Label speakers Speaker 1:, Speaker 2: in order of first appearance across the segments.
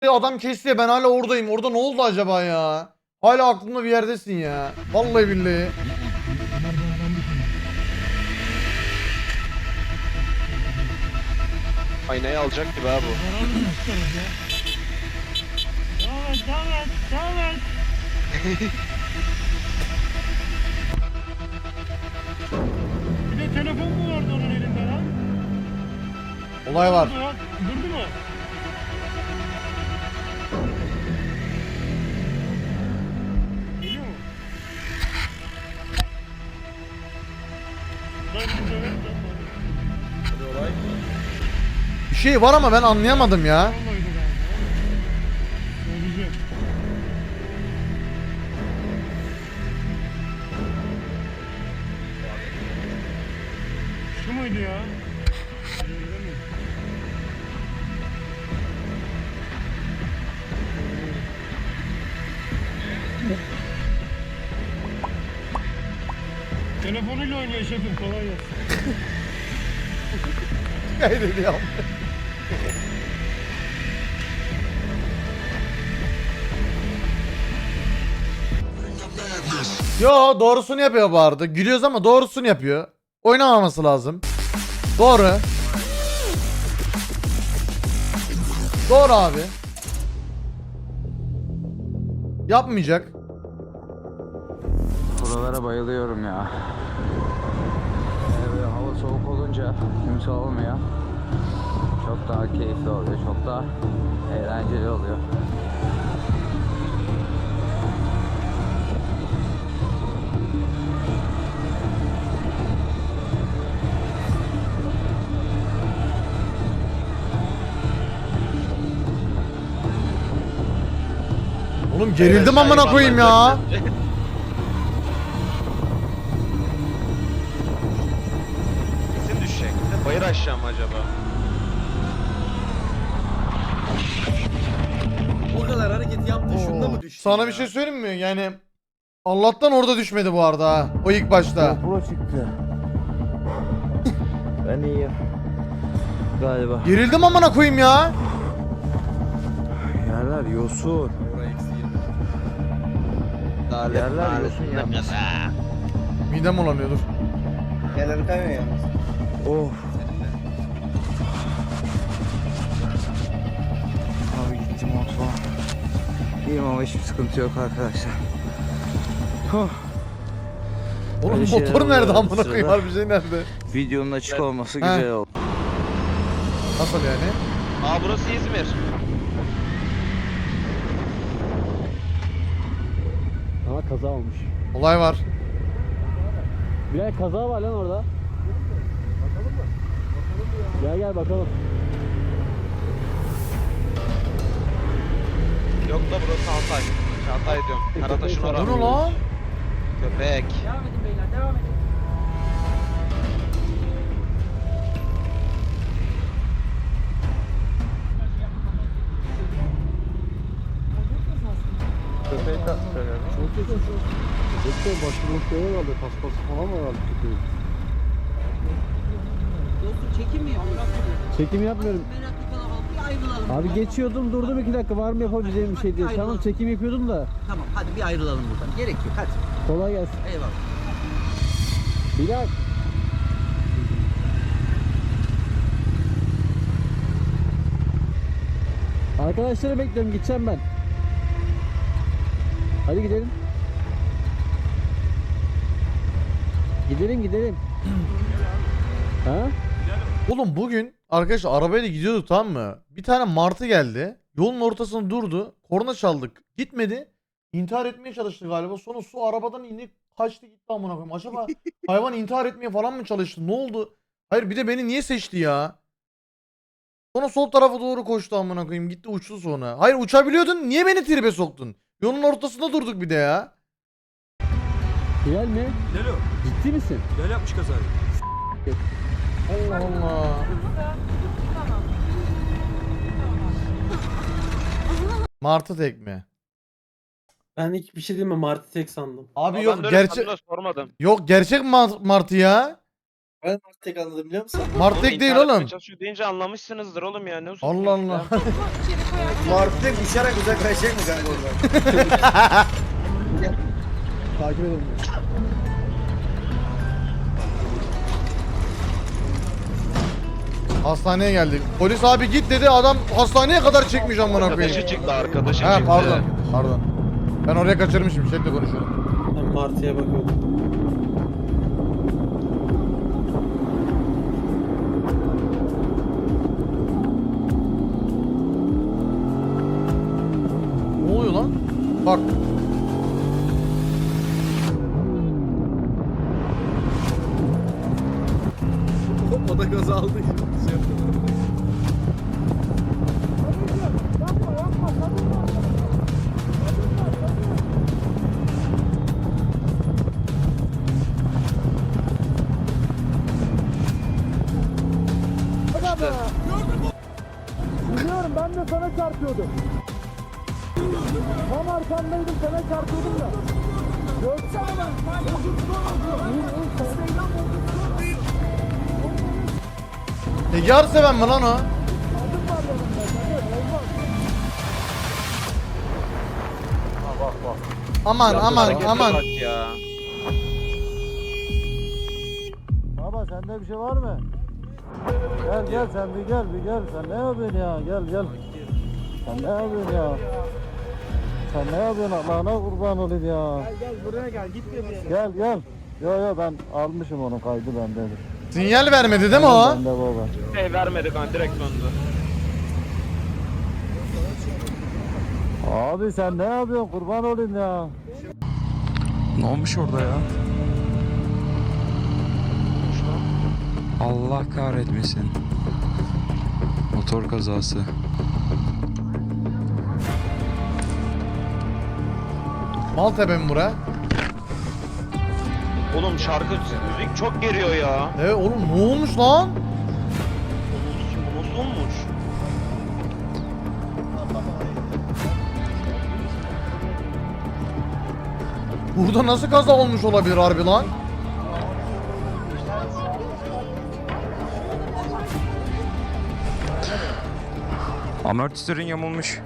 Speaker 1: Adam kesti ya, ben hala oradayım. Orada ne oldu acaba ya? Hala aklımda bir yerdesin ya. Vallahi billahi.
Speaker 2: Aynayı alacak gibi abi bu.
Speaker 3: Devam et. Bir de telefon mu vardı onun elinde lan?
Speaker 1: Olay var.
Speaker 3: Durdu mu? Geliyor mu? Lan bir dönem de
Speaker 1: Bir şey var ama ben anlayamadım ya.
Speaker 3: olmaydı galiba. Söyleyeceğim. Şu muydu ya? Öyle mi? Telefonuyla oynuyor şefim, kolay gelsin.
Speaker 1: Kaydediyorum. Yo, doğrusunu yapıyor bu arada. Gülüyoruz ama doğrusunu yapıyor. Oynamaması lazım. Doğru. Doğru abi. Yapmayacak.
Speaker 4: Buralara bayılıyorum ya. Böyle hava soğuk olunca kimse olmuyor. Çok daha keyifli oluyor, çok daha eğlenceli oluyor.
Speaker 1: Oğlum gerildim amına koyayım ya.
Speaker 2: Kesin düşecek. Bayır aşağı mı acaba?
Speaker 5: O kadar hareket yaptı, şunda mı düştü
Speaker 1: Sana
Speaker 5: ya?
Speaker 1: bir şey söyleyeyim mi? Yani Allah'tan orada düşmedi bu arada ha. O ilk başta.
Speaker 6: GoPro çıktı. Ben iyiyim. Galiba.
Speaker 1: Gerildim amına koyayım ya.
Speaker 6: Yerler yosun.
Speaker 5: Oraya eksi 20.
Speaker 6: Yerler yosun yalnız.
Speaker 1: Midem bulanıyordur.
Speaker 5: Yerleri kaymıyor yalnız.
Speaker 6: Of.
Speaker 5: Seninle.
Speaker 6: Abi gittim mutfağa. İyiyim ama hiçbir sıkıntı yok arkadaşlar. Huh.
Speaker 1: Oğlum
Speaker 6: Öyle şeyler
Speaker 1: motor nerede
Speaker 6: oluyor
Speaker 1: amına
Speaker 6: sırada.
Speaker 1: koyayım? Harbi şey nerede?
Speaker 6: Videonun açık olması
Speaker 1: He.
Speaker 6: güzel oldu.
Speaker 1: Nasıl yani?
Speaker 2: Aa burası İzmir.
Speaker 7: Aha kaza olmuş.
Speaker 1: Olay var.
Speaker 7: Bir kaza var lan orada. Bakalım mı? Gel bakalım.
Speaker 2: Yok da burası Hatay. Hatay diyorum. Karataş'ın
Speaker 1: Bu
Speaker 2: orası.
Speaker 1: ne lan?
Speaker 2: Köpek.
Speaker 8: Devam edin beyler, devam edin.
Speaker 7: Yoksa başvurulmuş şey herhalde, paspası falan mı herhalde köpeğin?
Speaker 8: Dostum çekim mi yapıyorsun?
Speaker 7: Çekim yapmıyorum.
Speaker 8: Meraklı kalabalık, bir ayrılalım.
Speaker 7: Abi geçiyordum, durdum 2 dakika, var mı yapabileceğim bir şey diye. Tamam, çekim yapıyordum da.
Speaker 8: Tamam, hadi bir ayrılalım buradan. Gerek yok, hadi.
Speaker 7: Kolay gelsin.
Speaker 8: Eyvallah.
Speaker 7: Bilal. Arkadaşları bekliyorum, gideceğim ben. Hadi gidelim. Gidelim. Ha?
Speaker 1: Oğlum bugün arkadaşlar arabayla gidiyorduk, tamam mı? Bir tane martı geldi. Yolun ortasında durdu. Korna çaldık. Gitmedi. İntihar etmeye çalıştı galiba. Sonra su arabadan indi. Kaçtı gitti amına koyayım. Acaba hayvan intihar etmeye falan mı çalıştı? Ne oldu? Hayır, bir de beni niye seçti ya? Sonra sol tarafa doğru koştu amına koyayım. Gitti uçtu sonra. Hayır, uçabiliyordun. Niye beni tribe soktun? Yolun ortasında durduk bir de ya.
Speaker 7: Bilal mi?
Speaker 9: Lelo,
Speaker 7: Ciddi misin?
Speaker 9: Bilal yapmış kazayı.
Speaker 1: Allah Allah. Martı tekme.
Speaker 10: Ben ilk bir şey diyeyim mi? Martı tek sandım.
Speaker 1: Abi
Speaker 2: Aa,
Speaker 1: yok
Speaker 2: ben de öyle
Speaker 1: gerçek
Speaker 2: sandım da sormadım.
Speaker 1: yok gerçek martı ya.
Speaker 5: Ben tek anladım biliyor musun?
Speaker 1: Martek değil
Speaker 2: intihar etmeye
Speaker 1: oğlum.
Speaker 2: çalışıyor deyince anlamışsınızdır oğlum ya. Ne
Speaker 1: Allah
Speaker 2: uzatıyorsun
Speaker 1: Allah.
Speaker 2: ya?
Speaker 5: Martı'ya uçarak uzaklaşacak mı kanka oradan?
Speaker 7: Takip edelim.
Speaker 1: Hastaneye geldik. Polis abi git dedi, adam hastaneye kadar çekmiş amına koyayım.
Speaker 2: Arkadaşı çıktı, arkadaşı
Speaker 1: Ha
Speaker 2: çıktı.
Speaker 1: pardon. Pardon. Ben oraya kaçırmışım. Chatle konuşuyorum.
Speaker 10: Ben Martı'ya bakıyordum.
Speaker 1: Ne oluyor lan? Bak.
Speaker 5: O da gaz aldı.
Speaker 7: Biliyorum, ben de sana çarpıyordum. Tam arkandaydım, sana çarpıyordum da. Görsene
Speaker 1: Yar seven mi lan o? Aman aman
Speaker 2: Harekete
Speaker 1: aman.
Speaker 2: bak ya.
Speaker 7: Baba sende bir şey var mı? Gel gel sen bir gel sen ne yapıyorsun ya gel. Sen ne yapıyorsun ya? Sen ne yapıyorsun Allah'ına kurban olayım ya. Gel buraya gel gitme bir yere. Gel. Yo ben almışım onun kaydı bende.
Speaker 1: Sinyal vermedi değil mi o?
Speaker 7: Bende baba.
Speaker 2: Vermedi kan, direkt döndü.
Speaker 7: Abi sen ne yapıyorsun kurban olayım ya.
Speaker 4: Ne olmuş orada ya? Allah kahretmesin. Motor kazası.
Speaker 1: Maltepe mi bura?
Speaker 2: Oğlum şarkı, müzik çok geriyor ya.
Speaker 1: Evet oğlum ne olmuş lan?
Speaker 2: Bu nasıl olmuş?
Speaker 1: Burada nasıl kaza olmuş olabilir harbi lan?
Speaker 4: Amortisörün yamulmuş.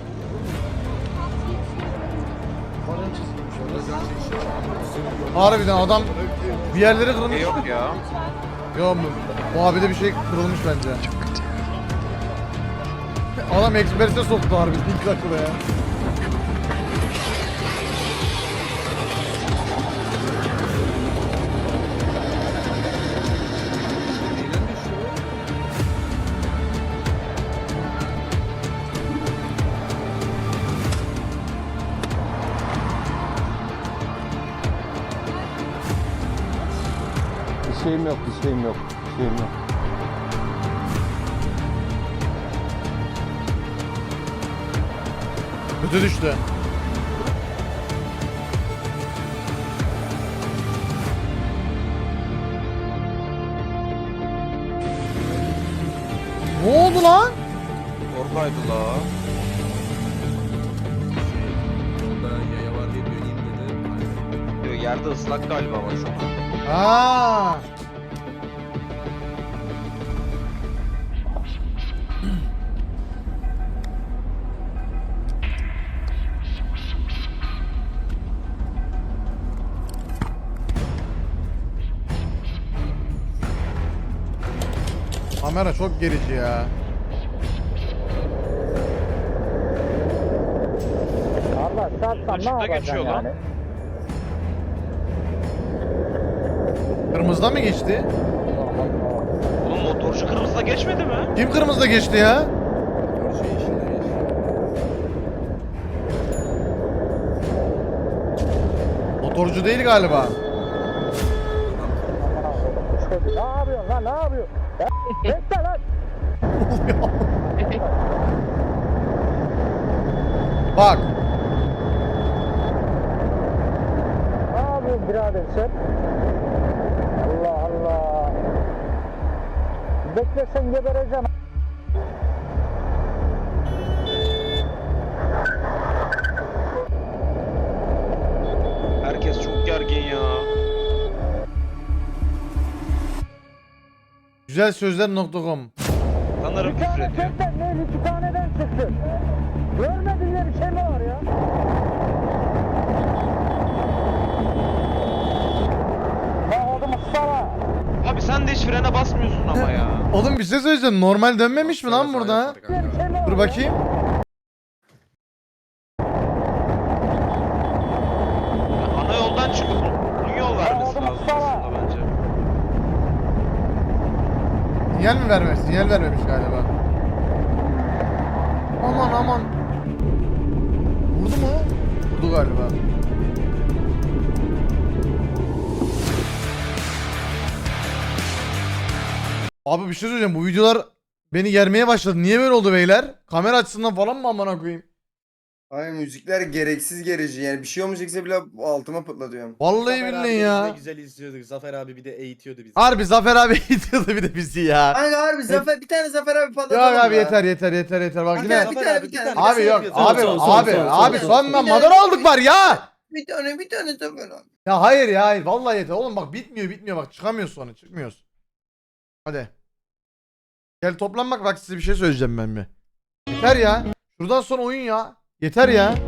Speaker 1: Harbiden adam bir yerleri kırılmış.
Speaker 2: Yok ya.
Speaker 1: Yok mu? Bu abide bir şey kırılmış bence. Adam eksprese soktu harbiden ilk dakikada ya.
Speaker 7: Bir şeyim yok.
Speaker 1: Kötü düştü. Ne oldu lan?
Speaker 2: Oradaydı la. Diyor, yerde ıslak galiba ama şu an.
Speaker 1: Ha. Kamera çok gerici ya.
Speaker 7: Allah sarsan ne
Speaker 2: Işıkta
Speaker 7: yapacaksın
Speaker 2: geçiyor lan.
Speaker 7: yani?
Speaker 1: Kırmızıda mı geçti?
Speaker 2: Oğlum motorcu kırmızıda geçmedi mi?
Speaker 1: Kim kırmızıda geçti ya? Motorcu değil galiba.
Speaker 7: Ne yapıyorsun lan ne yapıyorsun? Ya, bekle lan.
Speaker 1: Bak.
Speaker 7: Ne yapıyorsun birader sen? Allah Allah. Beklesen gebereceksin.
Speaker 2: Herkes çok gergin ya.
Speaker 1: Güzelsözler.com.
Speaker 2: Sanırım küfür ediyor.
Speaker 7: Ne 2 taneden çıktı. Görmedin diye bir şey mi var ya? Ya oğlum Mustafa.
Speaker 2: Abi sen de hiç frene basmıyorsun ama ya.
Speaker 1: Oğlum bir şey söyleyeceğim. Normal dönmemiş mi lan burada? Dur bakayım.
Speaker 2: Ana yoldan çıkıp uzun yol vermesi lazım aslında bence.
Speaker 1: Sinyal mi vermemiş? Sinyal vermemiş galiba. Aman aman. Vurdu mu? Vurdu galiba. Abi bir şey söyleyeceğim. Bu videolar beni germeye başladı. Niye böyle oldu beyler? Kamera açısından falan mı amına koyayım?
Speaker 9: Ay müzikler gereksiz gerici yani bir şey olmayacaksa bile altıma patlatıyorum.
Speaker 1: Vallahi billahi ya.
Speaker 5: Güzel izliyorduk. Zafer abi bir de eğitiyordu bizi.
Speaker 1: Harbi Zafer abi itiyordu bir de bizi ya.
Speaker 9: Kanka harbi Zafer bir tane Zafer abi
Speaker 1: Yok
Speaker 9: patlatalım
Speaker 1: abi
Speaker 9: ya.
Speaker 1: yeter. Bak yine.
Speaker 9: Bir tane.
Speaker 1: Abi yok
Speaker 5: Son,
Speaker 1: abi
Speaker 5: son, son,
Speaker 1: abi
Speaker 5: son,
Speaker 1: abi
Speaker 5: son,
Speaker 1: son
Speaker 9: son.
Speaker 1: madara olduk var ya.
Speaker 9: Bir tane Zafer abi.
Speaker 1: Ya hayır ya hayır vallahi yeter. Oğlum bak bitmiyor bak çıkamıyoruz sonra çıkmıyoruz. Hadi. Gel toplanmak bak size bir şey söyleyeceğim ben bir. Yeter ya. Şuradan sonra oyun ya. Yeter ya.